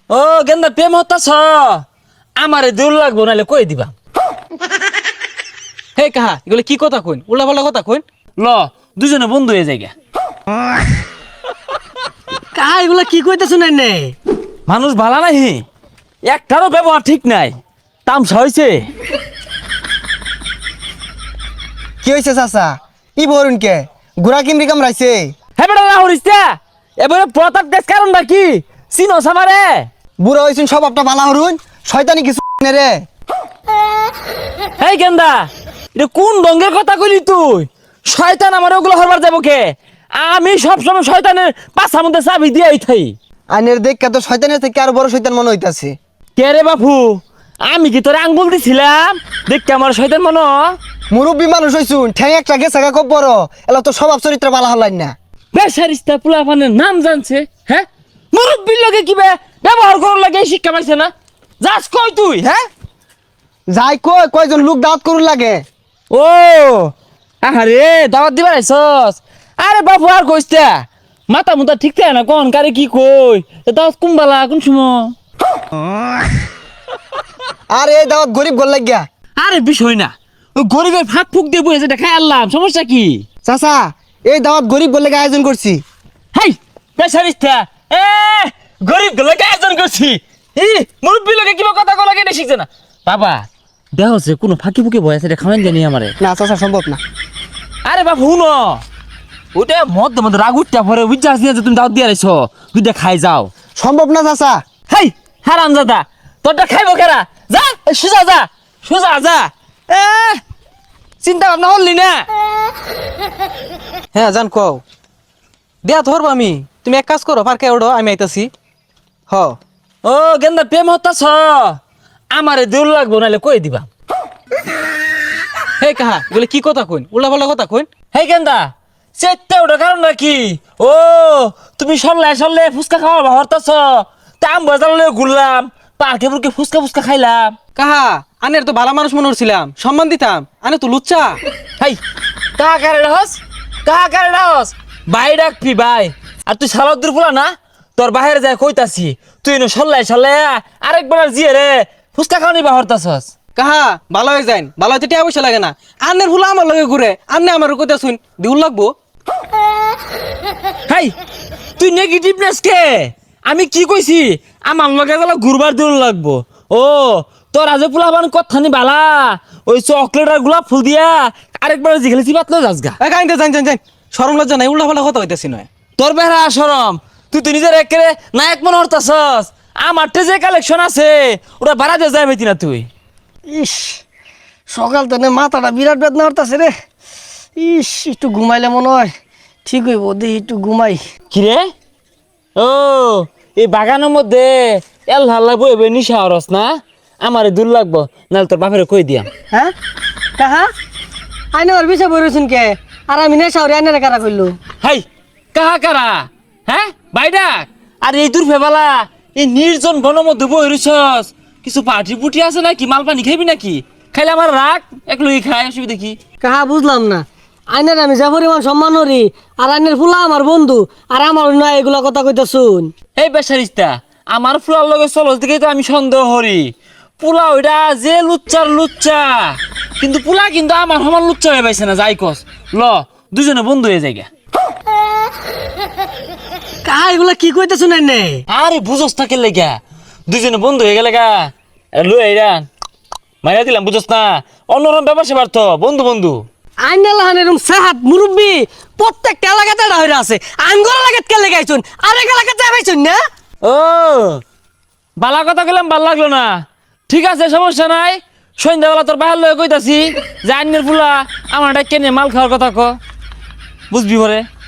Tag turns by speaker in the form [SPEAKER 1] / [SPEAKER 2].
[SPEAKER 1] ও গেন্দা প্রেম হতাছ আমারে দূর লাগবো নাহলে কই দিবা।
[SPEAKER 2] হে কাহা এগুলো কি কথা কইন, উল্লা পাল্লা কথা কইন।
[SPEAKER 1] ল দুজনে বন্ধু হয়ে যাইগা।
[SPEAKER 3] কাহা এগুলা কি কইতেছ না?
[SPEAKER 1] মানুষ ভালা নাহি, একটারও ব্যবহার ঠিক নাই, তামসা হয়েছে।
[SPEAKER 3] কি হয়েছে চাচা? কি বলুন কে গুড়া কিমরি কামড়াইছে?
[SPEAKER 1] হ্যাঁ বেটা না হরিস্তা এবারে প্রতাপ দেশ কারণ নাকি চিনো সামারে?
[SPEAKER 3] বুড়া হয়েছেন সব আপনার বালা হরুন, শয়তানি কিছু রে।
[SPEAKER 1] এই গেন্দা এটা কোন ডঙ্গের কথা কইলি তুই? শয়তান আমার ওগুলো হরবার যাবো কে? আমি সবসময় শয়তানের পাছার মধ্যে চাবি দিয়েই থাই।
[SPEAKER 3] আইনের দেখ তো শয়তানের থেকে আরো বড় শয়তান মনে হইতাছে।
[SPEAKER 1] কে রে বাপু, আমি কি তোর আঙ্গুল দিছিলাম দেখতে আমার শয়তান মনো?
[SPEAKER 3] মুরব্বী মানুষ হইছুন, ঠ্যাং একটা গেছে খুব বড়, এলা তো স্বভাব চরিত্র বালা হলাই না।
[SPEAKER 1] বেসারিস্তা পোলাপানের নাম জানছে, হ্যাঁ মুরব্বীর লগে কি ব্যবহার করার লাগে শিক্ষা পাইছে না? যাস কই তুই? হ্যাঁ
[SPEAKER 3] যাই কই কয়জন লোক দাওয়াত করুন লাগে।
[SPEAKER 1] ও আরে দাওয়াত দিবার আইছস? আরে বাপু আর কইস্তা মাথা মুতা ঠিক থাকে না, কোন কারে কি কই দাওয়াত কুম্বালা কোন সময়?
[SPEAKER 3] আর এই দাওয়াত গরিব গোল লাগিয়া।
[SPEAKER 1] আরে বিষয় না, ওই গরিবের ফাঁক ফুক দিয়ে বসে দেখাই আনলাম, সমস্যা কি?
[SPEAKER 3] চাচা এই দাওয়াত গরিব গোল লাগে আয়োজন করছি।
[SPEAKER 1] হাই বেসারিস্তা এ গরিব গুলোকে আয়োজন করছি, মুরব্বী লোকে কিবা কথা কো লাগে এটা শিখছে না। বাবা দেহ হচ্ছে কোনো ফাঁকি ফুকি বয় আছে এটা খাওয়ান জানি আমারে।
[SPEAKER 3] না চাচা সম্ভব না।
[SPEAKER 1] আরে বাবু হুনো ওটা মধ্যে মধ্যে রাগ উঠটা পরে বুঝতে আসি যে তুমি দাওয়াত দিয়ে আইছো, দুইটা খাই যাও।
[SPEAKER 3] সম্ভব না চাচা।
[SPEAKER 1] হাই হারাম দাদা তোরটা খাইবো কেরা? যা সোজা যা, সোজা যা। এ চিন্তা ভাবনা করলি না?
[SPEAKER 2] হ্যাঁ জান কও, দেয়া ধরবো আমি। তুমি এক কাজ করো, পার্কে ওঠো, আমি আইতাছি। হ
[SPEAKER 1] ও গেন্দা প্রেম হতাছ আমারে দূর লাগবো নাহলে কই দিবা।
[SPEAKER 2] হে কাহা এগুলো কি কথা কইন, উল্লা পাল্লা কথা কইন।
[SPEAKER 1] হেই গেন্দা চেটটা ওটা কারণ নাকি? ও তুমি সরলে ফুচকা খাওয়া হরতাছ, তাম বাজার লয়ে ঘুরলাম, পার্কে পুরকে ফুচকা ফুচকা খাইলাম।
[SPEAKER 2] কাহা আনের তো ভালো মানুষ মনে করছিলাম, সম্মান দিতাম, আনে তো লুচ্চা।
[SPEAKER 1] হাই কাহা কারে রহস ভাই ডাকবি ভাই। আর তুই সালাউদ্দিন ফুলা না, তোর বাহিরে যায় কইতাছি তুই এনে সরলে আরেকবার জিয়ে রে ফুচকা খাওয়া নিবা হরতাছস।
[SPEAKER 2] কাহা ভালো হয়ে যাইন, ভালো হইতে টিয়া পয়সা লাগে না। আনের ফুলা আমার লগে ঘুরে, আন্নে আমার কইতা শুন দিউল লাগবো।
[SPEAKER 1] হাই তুই নেগেটিভনেস কে? আমি কি কইছি আমার লগে গেলে ঘুরবার দূর লাগবো। ও তোর আজ পোলাবান কথানি বালা, ওই চকলেট আর গোলাপ ফুল দিয়া আরেকবার জিগেলে চিবাতলো যাসগা।
[SPEAKER 2] কাইন্দে যাই শরম লজ্জা নাই, উল্লা পাল্লা কথা হইতাছি নয়।
[SPEAKER 1] তোর বেহরা সরম, তুই তো নিজের একেরে নায়ক মনে হরতাছস। আমার যে কালেকশন আছে ওটা ভাড়া দিয়ে যাই না তুই।
[SPEAKER 3] ইস সকাল তো মাথাটা বিরাট বেদনা হরতাছে রে। ইস একটু ঘুমাইলে মনে হয় ঠিক হইব, দেখি একটু ঘুমাই।
[SPEAKER 1] কিরে ও এই বাগানের মধ্যে এল হাল্লা বইবে নিশা হরস না? আমারে দূর লাগবো নাহলে তোর বাপের কই দিয়াম।
[SPEAKER 3] হ্যাঁ কাহা আইনে ওর বিষয় বইরছেন কে? আর আমি নেশা ওরে আইনে কারা করলো?
[SPEAKER 1] হাই কাহা কারা? হ্যাঁ বাইডাক আর এই দূর ফেবালা এই নির্জন বনের মধ্যে বই রইছস, কিছু পার্টি পুটি আছে নাকি? মাল পানি খাইবি নাকি? খাইলে আমার রাগ এক লই খাই, অসুবিধা কি?
[SPEAKER 3] কাহা বুঝলাম না। আইনের আমি যা পরিমাণ সম্মান করি, আর আইনের ফুলা আমার বন্ধু, আর আমার নয় এগুলা কথা কইতা শুন।
[SPEAKER 1] এই বেসারিস্তা আমার ফুলার লগে চলস দিকেই তো আমি সন্দেহ করি। পুলা ওইটা যে লুচ্চা কিন্তু পুলা কিন্তু আমার সমান লুচ্চা হয়ে পাইছে না। যাই কস ল দুজনে বন্ধু হয়ে যাই গা।
[SPEAKER 3] কাহা এগুলা কি কইতা শুনেন নে?
[SPEAKER 1] আরে বুঝস থাকে লেগা দুজনে বন্ধু হয়ে গেলে গা লুই আইরা মাইরা দিলাম, বুঝস না? অন্যরকম ব্যাপার সেবার তো বন্ধু।
[SPEAKER 3] আইনা লাহান এরকম সাহাত মুরব্বী প্রত্যেকটা এলাকাতে হইরা আছে। আঙ্গুর এলাকাত কে লাগাইছুন, আরেক এলাকাতে যাইছুন না?
[SPEAKER 1] ও বালা কথা গেলাম ভাল লাগলো না, ঠিক আছে সমস্যা নাই। সন্ধ্যাবেলা তোর বাহার লয়ে কইতাছি যে আইনের ফুলা আমার কেনে মাল খাওয়ার কথা ক, বুঝবি পরে।